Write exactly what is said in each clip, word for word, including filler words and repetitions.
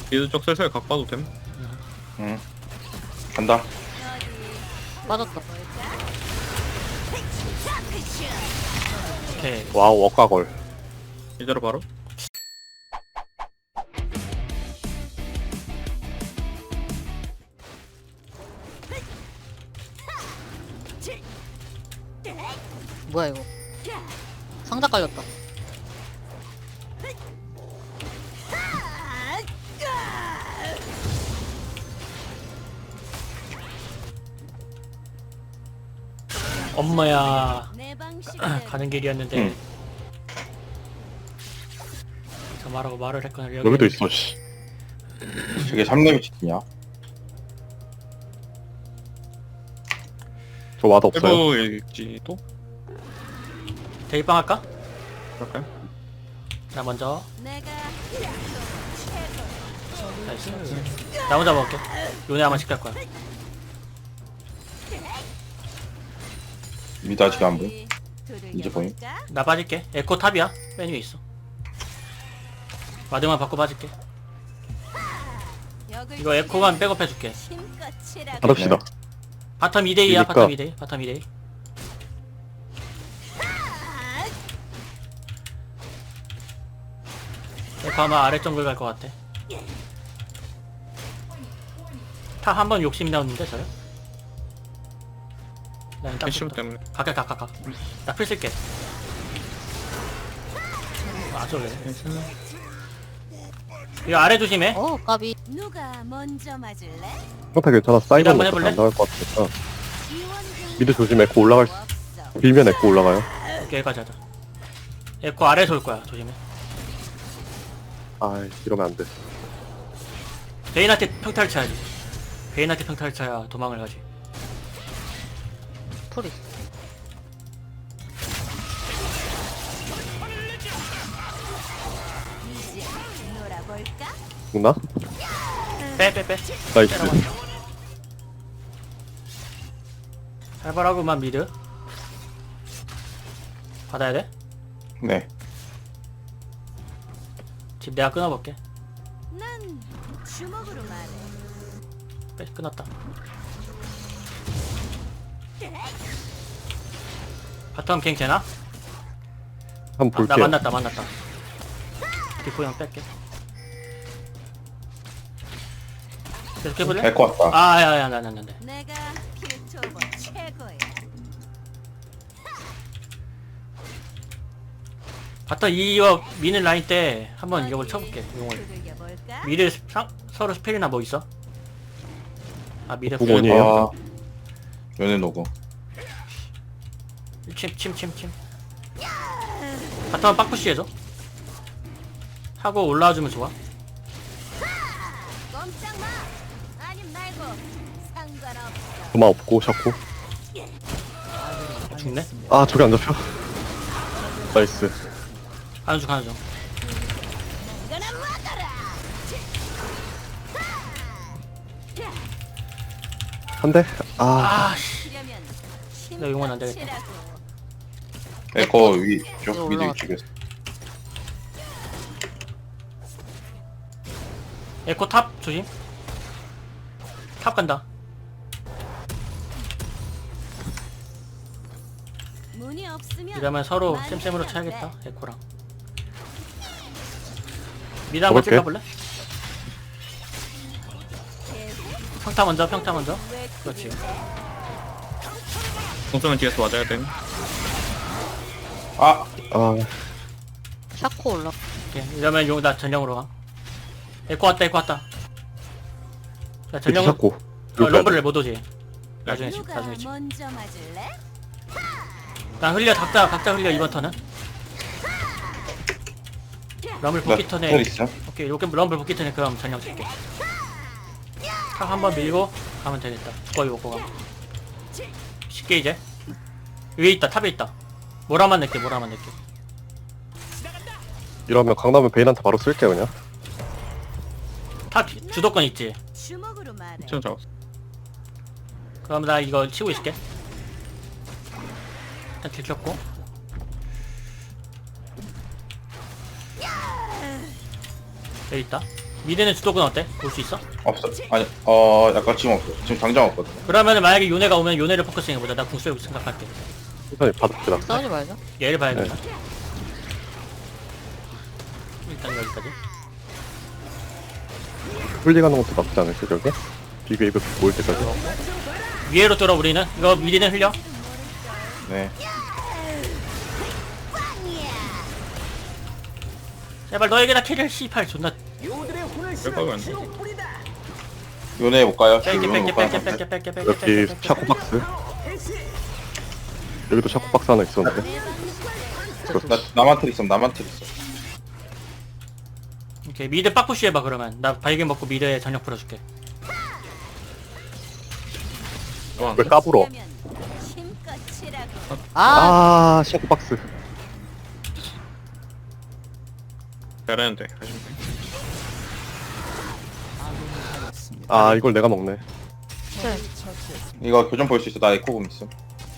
미드 쪽 슬슬 각 봐도 됨. 응. 간다. 빠졌다. 오케이. 와우 억가걸. 이대로 바로. 뭐야 이거? 상자 깔렸다. 엄마야. 내 방식 가는 길이었는데. 응. 저 말하고 말을 했거나 여기 여기도 있어. 씨. 저게 삼 레벨 치킨이야. 저 와드 없어요. 일부일지 또? 대입방 할까? 그럴까요? 나 먼저. 내가 나이스. 나 혼자 먹을게. 요네 아마 시킬 거야. 미드 아직 안 보여. 두들겨 이제 보임. 볼까? 나 빠질게. 에코 탑이야. 맨 위에 있어. 와드만 받고 빠질게. 역을 이거 에코만 백업해줄게. 힘껏 치라고. 가릅시다. 바텀 이 대 이야. 그러니까. 바텀 이 대 이. 바텀 이 대 이. 에코 아마 아래 정글 갈 것 같아. 타 한 번 욕심 나왔는데 저요? 난 패시브 딱 때문에. 가까 가까 가. 나풀 쓸게. 아 저래. 이거 아래 조심해. 어 까비. 누가 먼저 맞을래? 평타 괜찮아. 사이버 한번 먹고 해볼래? 안 나갈 것 같으니까. 지원 중 미드 조심. 에코 올라갈 수. 없어. 빌면 에코 올라가요. 오케이 여기까지 하자. 에코 아래에서 올 거야. 조심해. 아 이러면 안 돼. 베인한테 평타를 쳐야지. 베인한테 평타를 쳐야 도망을 가지. 풀이. 이제 놀아볼까? 죽나? 빼 빼 빼. 나이스. 살벌하구만 미드. 받아야 돼? 네. 집 내가 끊어볼게. 난 주먹으로 말해. 빼 끊었다. 바텀 갱 되나? 한번 아, 나 볼게요. 만났다 만났다. 디코 형 뺄게. 계속 해볼래? 에코 왔다. 아야야 나나 나. 내가 필토버 최고야. 바텀 이어 미는 라인 때 한번 이걸 쳐볼게. 용을. 두들겨 볼까? 미드 상, 서로 스펠이나 뭐 있어? 아 미드 그거 아니에요? 아. 연애 노고. 침침침침. 바텀은 빡푸시 해줘. 하고 올라와주면 좋아. 꼼짝 마. 아님 말고 상관없어. 도마 없고 샤코. 죽네. 아 저기 안 잡혀. 나이스. 하는 중 하는 중. 이거나 먹어라. 한 대. 아 아씨. 그러면 나 용은 안 되겠다. 치라고. 에코 위 위로 쪽 미드 올라갔다. 쪽에서. 에코 탑 조심. 탑 간다. 문이 없으면 이러면 서로 많이 쌤쌤으로 해요. 쳐야겠다. 에코랑. 미드 한번 먹을게. 찍어볼래? 네. 평타 먼저 평타 먼저. 왜 그렇지. 공수는 뒤에서 맞아야 됨. 아. 아 샤코 올라. 오케이. 이러면 용 나 전령으로 가. 에코 왔다 에코 왔다. 자 미드 전령. 샤코. 어, 럼블을 못 오지. 나중에 집 누가 나중에 집. 먼저 맞을래? 난 흘려 각자 각자 흘려 이번 턴은. 럼블 나 복귀 텔 턴에 있어. 오케이 요게 럼블 복귀 턴에 그럼 전령 칠게. 탑 한번 밀고 가면 되겠다. 거의 먹고 가. 쉽게 이제 위에 있다 탑에 있다. 모라만 낼게 모라만 낼게. 이러면 강남은 베인한테 바로 쓸게 그냥. 탑 주도권 있지. 주먹으로 말해. 천 잡았어. 그럼 나 이거 치고 있을게. 일단 들켰고. 여기 있다. 미드는 주도권 어때? 볼 수 있어? 없어. 아니, 어, 약간 지금 없어. 지금 당장 없거든. 그러면은 만약에 요네가 오면 요네를 포커싱 해보자. 나 궁수를 생각할게. 천천히 받읍시다. 싸우지 말자. 얘를 봐야겠다. 일단 여기까지. 훌리가는 것도 나쁘지 않을지 저게? 비교 이거 모일 때까지. 위에로 뚫어 우리는. 이거 미리는 흘려. 네. 제발 너에게나 캐리를 씨팔 존나 뺄까요 안 돼? 요네 볼까요? 뺄게 요네 뺄게 볼까요? 뺄게 뺄게 뺄게 뺄게 여기 뺄게 뺄게. 샤코박스. 여기도 샤코박스 하나 있었는데. 나, 나만 틀 있어, 나만 틀 있어. 오케이 미드 빡푸시 해봐 그러면. 나 발견 먹고 미드에 전력 풀어줄게. 어, 안 왜 돼? 까불어? 힘껏 치라고. 아, 아, 샤코박스. 잘하는데 하시면 돼. 아, 이걸 내가 먹네. 네. 이거 교정 볼 수 있어. 나 에코공 있어.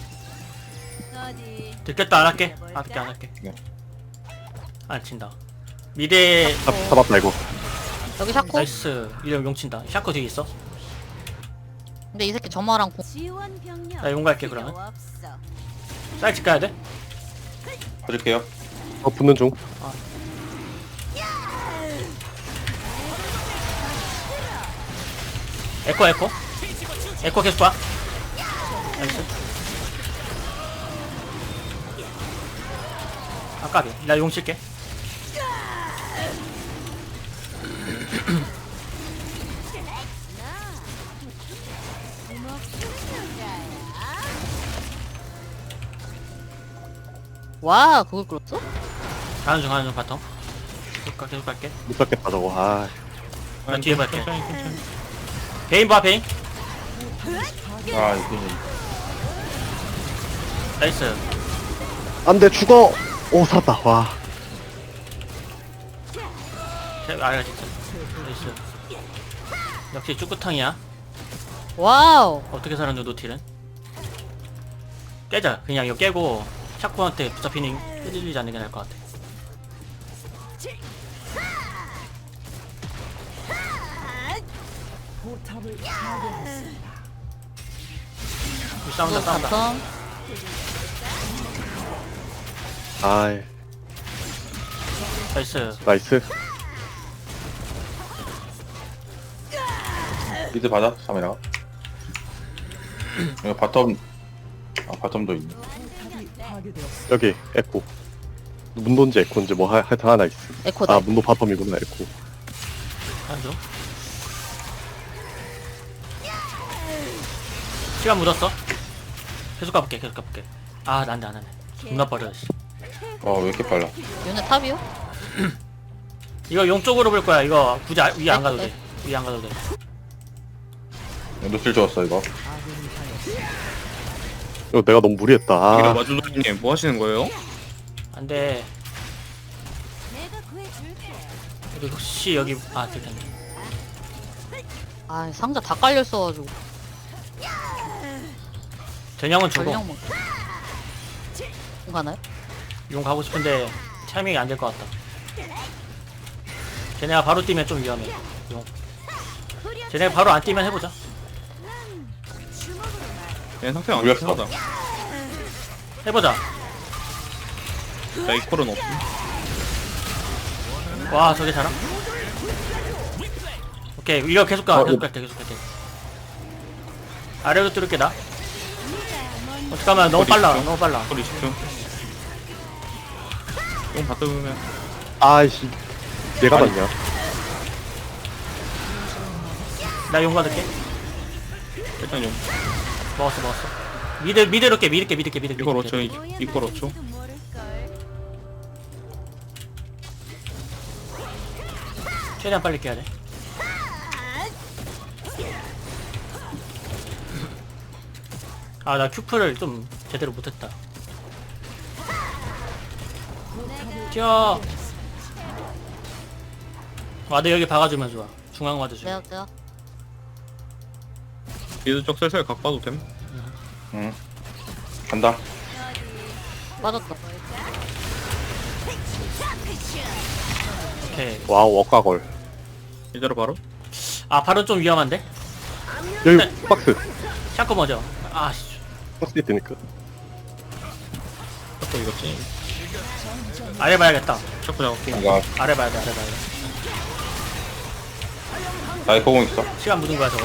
어디 들켰다 안 할게. 안 할게 안 할게. 네. 안 친다. 미드에 잡, 잡았다, 이거. 여기 샤코? 나이스. 이름 용 친다. 샤코 뒤에 있어. 근데 이 새끼 점화랑 공. 지원 병력. 나 용 갈게, 필요 그러면. 없어. 사이트 가야 돼? 봐줄게요. 어, 붙는 중. 에코 에코. 에코 계속 봐. 나이스. 아까비. 나 용 칠게. 와, 그걸 끌었어? 가는 중 가는 중 바텀. 계속 가 계속 갈게. 못 잡겠다, 저거. 아, 나 뒤에 볼게. 천천히 천천히. 베인 봐 베인. 아, 이게. 나이스. 안 돼, 죽어! 오, 살았다, 와. 제- 아야 진짜. 나이스. 역시 쭈꾸탕이야. 와우. 어떻게 살았노 노틸은? 깨자. 그냥 이거 깨고 샤코한테 붙잡히는 휘둘리지 않는 게 나을 것 같아. 싸운다 또 싸운다. 바텀. 아이, 나이스. 나이스. 미드 받아, 카메라. 이거 바텀, 아, 바텀도 있네. 여기, 에코. 문도인지 에코인지 뭐 하, 하여튼 하나 있어. 에코다. 아, 문도 바텀이구나, 에코. 한조. 시간 묻었어. 계속 가볼게 계속 가볼게. 아 난데 안 하네. 존나 빠르다 씨. 어, 왜 이렇게 빨라? 요네 탑이요? 이거 용 쪽으로 볼 거야. 이거 굳이 아, 위에 안 가도 돼. 위에 안 가도 돼. 노틸 좋았어, 이거. 이거 내가 너무 무리했다. 이거 아, 마주노님 뭐 하시는 거예요? 안돼. 내가 구해줄게. 그리고 혹시 여기 아 들켰네. 아, 상자 다 깔려 있어가지고. 전형은 주고 전력 먹. 공 가나요? 용 가고 싶은데 타이밍이 안 될 것 같다. 쟤네가 바로 뛰면 좀 위험해. 용. 쟤네가 바로 안 뛰면 해보자. 주먹으로 말. 얘 상태 안 물렸어. 좋다. 해보자. 나 이퀄은 없음. 와 저게 잘함. 오케이 이거 계속 가. 어, 계속 이거- 갈게 계속 갈게. 아래로 뚫을게 나. 어떡하면 너무 어디 빨라. 있어? 너무 빨라. 소리 집중. 용 받으면 아이씨. 얘가 아니. 맞냐? 나 용 받을게. 일단 용. 먹었어 먹었어. 미드 미드로 깨 미드 깨 미드 깨 미드 깨. 이걸 미드 어쩌 깨. 이걸 어쩌? 모양인지도 모를걸. 최대한 빨리 깨야 돼. 아 나 큐프를 좀 제대로 못했다. 튀어. 와드 여기 박아주면 좋아. 중앙 와드 줘. 내가 내가. 미드 쪽 슬슬 각 봐도 됨. 응. 간다. 빠졌다. 오케이. 와우, 억가걸. 이대로 바로. 아 바로 좀 위험한데? 여기 네. 박스. 샤코 먼저. 아씨. 박스 있으니까. 자꾸 이거지. 아래 봐야겠다. 자꾸 잡을게. 이거 아래 봐야 돼. 아래 봐야 돼. 나이 거공 있어. 시간 묻은 거야 저거.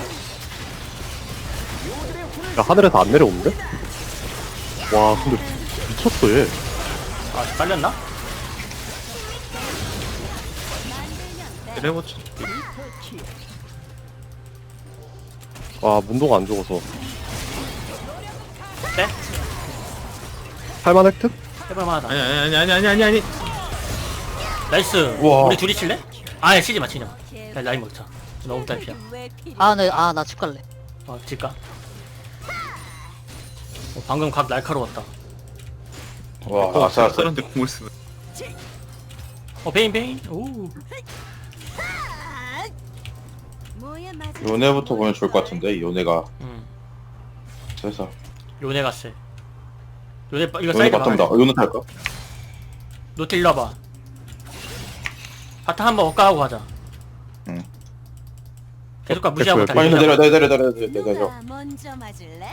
야, 하늘에서 안 내려오는데? 와, 근데 미쳤어, 얘. 아 빨렸나? 이래보지. 와, 문도가 안 죽어서. 네? 할만 획득? 해볼만하다. 아니 아니 아니 아니 아니 아니. 나이스. 우와. 우리 둘이 칠래? 아니 치지 마 치지 마. 야, 라인 먹자. 너무 딸피야. 왜 필요? 아, 네, 아, 나 집 갈래. 어 질까? 어, 방금 각 날카로웠다. 와 아싸 아싸. 사람한테 공을 쓰면. 어 베인 베인. 오. 뭐야 맞아. 요네부터 보면 좋을 것 같은데 요네가 음. 그래서 요네 갔어. 요네 빠- 이거 요네 사이드 바텀다. 막아야 돼. 어, 요네 탈까? 노트 일로 와봐. 바탕 한번 엇가하고 가자. 응. 계속 가 무시하고 됐고요. 빨리 달리자. 내려 내려 내려 내려 내려 내려. 누가 먼저 맞을래?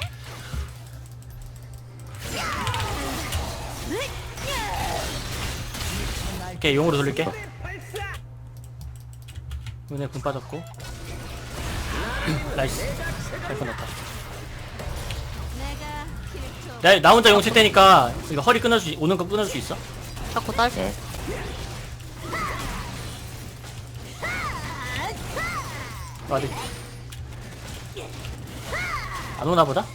오케이 용으로 돌릴게. 요네 군 빠졌고. 나이스. 잘 끊었다. 내가 킬토. 나, 나 혼자 용칠 테니까 이거 허리 끊어줄 수, 오는 거 끊어줄 수 있어? 자꾸 딸피. 네. 어디? 안 오나 보다?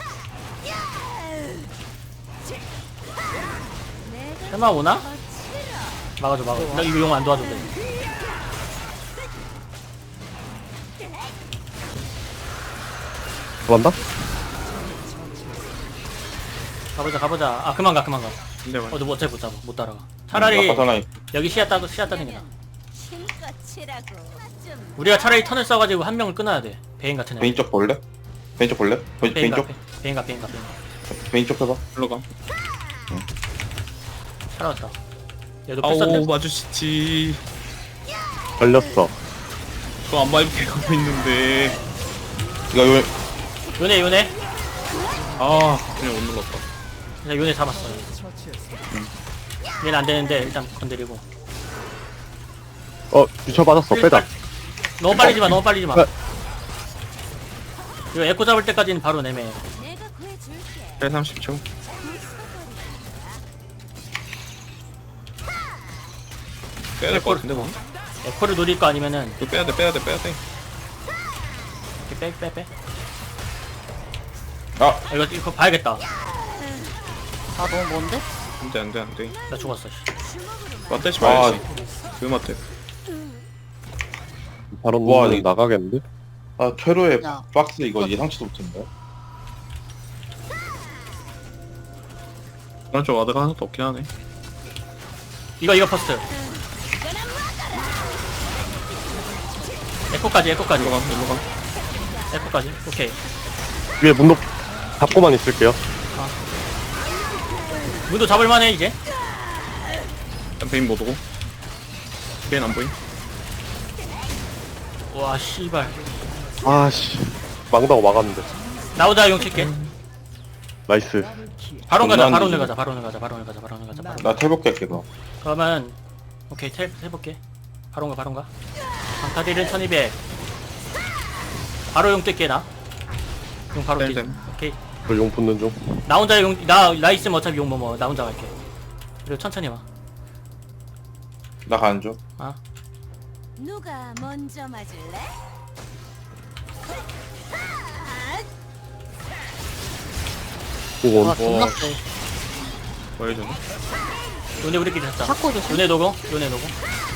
내가 설마 오나? 더 치러. 막아줘 막아줘. 나 이거 용 안 도와줘 돼. 들어간다? 가보자 가보자. 아 그만 가 그만 가. 근데 말. 어너 뭐 어차피 못 잡아 못 따라가. 차라리 바텀 라인. 여기 시야 따고 시야 따는 게 나아. 힘껏 치라고. 좀 우리가 차라리 턴을 써가지고 한 명을 끊어야 돼. 베인 같은 애. 베인 쪽 볼래? 베인 쪽 볼래? 베인, 베인 베인가 쪽? 베인가 베인가 베인가. 베인 쪽 해봐. 일로 가. 살아왔다. 얘도 아오 풀었네. 마주치지. 걸렸어. 저안 밟게 가고 있는데. 이거 요 요네 요네. 아 그냥 못 눌렀다. 그냥 요네 잡았어. 얘는 안 되는데 일단 건드리고. 어, 유철 맞았어. 빼자. 너무 빨리지 마 너무 빨리지 마. 네. 이거 에코 잡을 때까지는 바로 내매. 내가 구해줄게. 일 삼십 초. 빼야 될 것 같은데 뭐. 에코를 노릴 거 아니면은 이거 빼야 돼 빼야 돼 빼야 돼. 이렇게 빼 빼 빼. 아 아, 이거 이거 봐야겠다. 아, 너무 먼데? 안돼 안돼 안돼. 나 죽었어. 씨. 맞대지 아. 말지. 그 맞대. 바로 와, 와, 이- 나가겠는데? 아, 퇴로의 야. 박스 이거 예상치도 못했네. 그런 쪽 와드가 하나도 없긴 하네. 이거 이거 퍼스트. 에코까지 에코까지 일로 가 일로 가. 에코까지. 오케이. 위에 문도 잡고만 있을게요. 문도 잡을만해 이제. 일단 베인 못 오고. 베인 안 보임. 와 씨발. 아씨. 망다고 막았는데. 나 혼자 용 칠게. 나이스. 바로 가자 장난 바로 아니지. 가자 바로 가자 바로 가자 바로 가자 바로. 나 탈볼게 그거. 그러면 오케이 텔 해볼게. 바로 가 바로 가. 강타딜은 천이백. 바로 용 뜰게 나. 용 바로 네, 뛰자. 네. 오케이. 저용 붙는 중. 나 혼자 용 나 나 있으면 어차피 용 뭐뭐 나 혼자 갈게. 그리고 천천히 와. 나 가는 중. 아 누가 먼저 맞을래? 오건. 와, 존나 세. 뭐 해주네. 요네 우리끼리 잡자. 자꾸 조심. 요네 노고 요네 노고.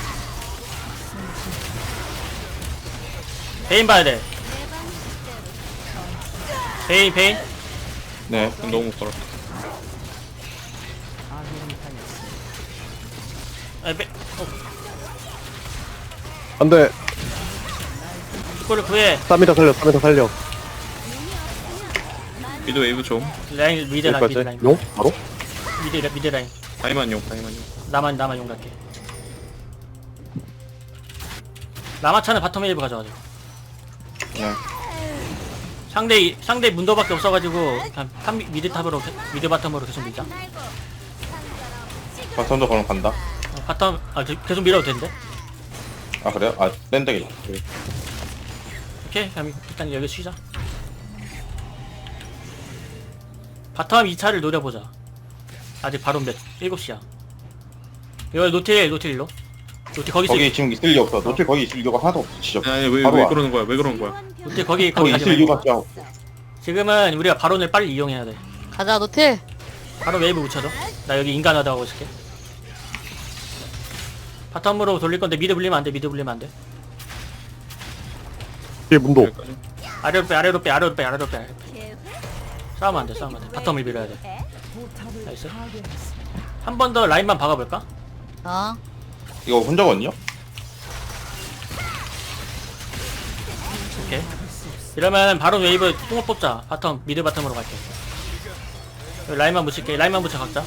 베인 봐야 돼. 베인 베인. 네. 너무 못 걸었다. 아, 베. 어, 안 돼. 이거를 구해. 삼이다 살려, 삼이다 살려. 미드 웨이브 좀. 라인 미드 라인 미드 여기까지. 라인. 용? 바로? 미드 라- 미드 라인. 다이만 용 다이만 용. 나만 나만 용 갈게. 라마차는 바텀 웨이브 가져가죠. 네. 상대 상대 문도밖에 없어가지고 그냥 탑 미- 미드 탑으로 게- 미드 바텀으로 계속 밀자. 바텀도 그럼 간다. 어, 바텀 아 저- 계속 밀어도 되는데. 아 그래요? 아 랜덕이. 오케이 그럼 일단 여기 쉬자. 바텀 이 차를 노려보자. 아직 바로 몇 일곱 시야. 이거 노틸 노틸 일로. 노틸 거기 있어. 거기 지금 있을 이유 없어. 노틸 거기 있을 이유가 하나도 없어. 진짜. 아니 왜, 바로 왜 와. 그러는 거야 왜 그러는 거야 노틸 거기 거기 거기 가지 있을 말고. 이유가 진짜 없어. 지금은 우리가 바론을 빨리 이용해야 돼. 가자 노틸. 바로 웨이브 붙여줘. 나 여기 인간화도 하고 있을게. 바텀으로 돌릴 건데 미드 불리면 안 돼. 미드 불리면 안 돼. 뒤에 문도. 여기까지. 아래로 빼 아래로 빼 아래로 빼 아래로 빼. 아래로 빼. 싸우면 안 돼. 싸우면 안 돼. 바텀을 밀어야 돼. 나이스. 한 번 더 라인만 박아볼까? 어. 이거 혼자거든요? 오케이. 이러면 바로 웨이브 뽕을 뽑자. 바텀 미드 바텀으로 갈게. 여기 라인만 붙일게. 라인만 붙여 각자.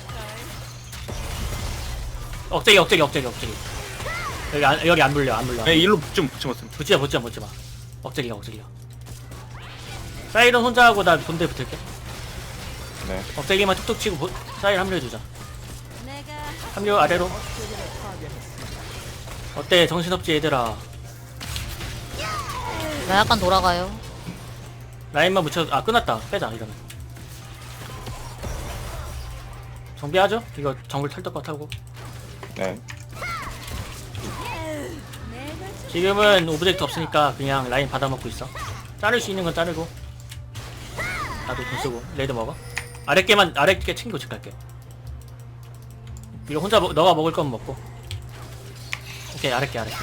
억제기 억제기 억제기 억제기. 여기 안 여기 안 물려 안 물려. 아니 일로 붙지 붙지 마세요 붙지마 붙지마 붙지마. 억제기가 억제기가. 사이런 혼자 하고 나 본대 붙을게. 네. 억제기만 툭툭 치고 보, 사이를 합류해주자. 내가 합류 아래로. 어때 정신없지 얘들아. 나 약간 돌아가요. 라인만 붙여. 아 끝났다. 빼자 이러면. 정비하죠? 이거 정글 털떡거 타고. 네. 내가 지금은 오브젝트 없으니까 그냥 라인 받아먹고 있어. 자를 수 있는 건 자르고. 나도 돈 쓰고 레드 먹어. 아랫개만 아랫개 챙기고 집 갈게. 이거 혼자 먹, 너가 먹을 건 먹고. 오케이 아랫개 아랫개.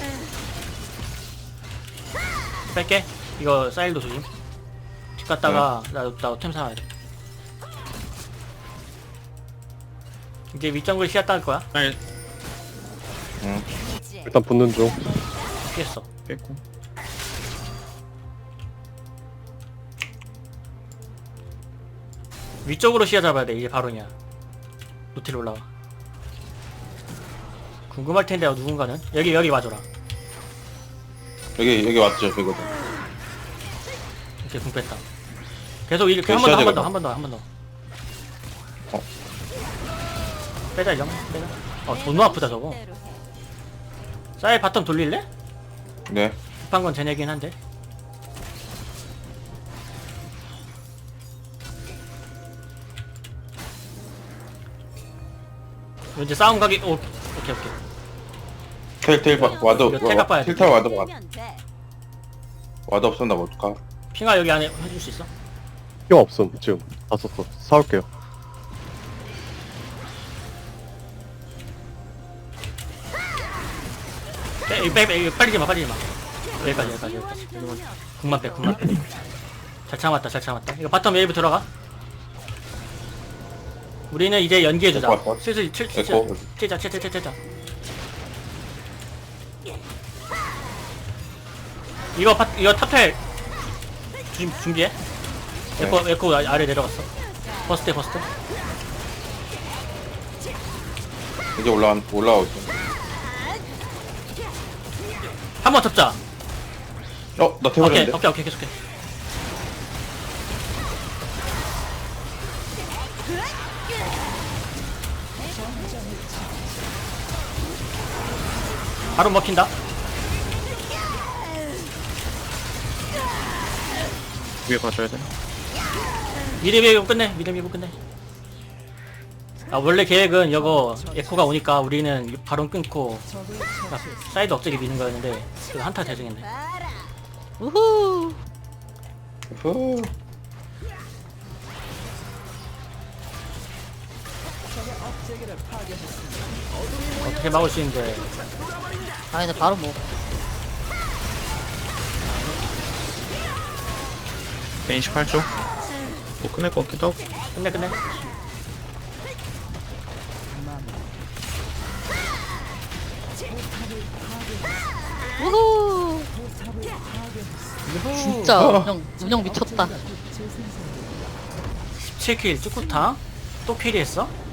뺄게. 이거 사일도 조심. 집 갔다가 나나템 사와야 돼. 이제 윗정글 시야 따을 거야. 아니 응. 이제 일단 붙는 중. 피했어. 뺐고 위쪽으로 시야 잡아야 돼. 이제 바로냐. 노틸 올라와. 궁금할 텐데 누군가는 여기 여기 와줘라. 여기 여기 왔죠. 이거도. 이렇게 궁 뺐다. 계속 이렇게 그 한 번 더 한 번 시야제가 더 한 번 더 한 번 더. 어. 빼자 이정. 빼자. 어 너무 아프다 저거. 대로 해. 사이 바텀 돌릴래? 네. 급한 건 쟤네긴 한데. 이제 싸움 가기. 오 오케이 오케이. 텔텔 바 와드 이거 태각 봐야 돼. 텔텔 와드 봐. 하면 돼. 와드 없었나 뭐 어떡하? 핑아 여기 안에 해줄 수 있어? 필요 없음 지금. 다 썼어. 사올게요. 빼, 빼, 빼, 이거 빨리지 마, 빨리지 마. 여기까지, 여기까지, 여기까지. 이거 궁만 빼, 궁만 빼. 잘 참았다, 잘 참았다. 이거 바텀 웨이브 들어가. 우리는 이제 연기해주자. 에코 왔어? 슬슬 칠, 칠, 에코. 치자, 치자, 치자, 치자. 이거 파, 이거 탑텔 준, 준비해. 에코, 에코 아- 아래 내려갔어. 버스트, 버스트. 이제 올라온 올라오고 있어. 한 번 접자. 어, 나 오케이, 태워졌는데? 오케이, 오케이, 계속해. 바로 먹힌다. 위에 가줘야 돼 미드 밀고 끝내. 미드 밀고 끝내. 아 원래 계획은 이거 에코가 오니까 우리는 바론 끊고 막 사이드 억제기 미는 거였는데 그거 한타 대승했네. 봐라. 우후. 후. 어떻게 막을 수 있는데. 아 근데 바로 뭐. 벤 십팔 초 뭐 끝낼 것 같기도 하고 끝내 끝내. 우후. 진짜 운영 운영 미쳤다. 십칠 킬 쭈꾸타 또 캐리했어?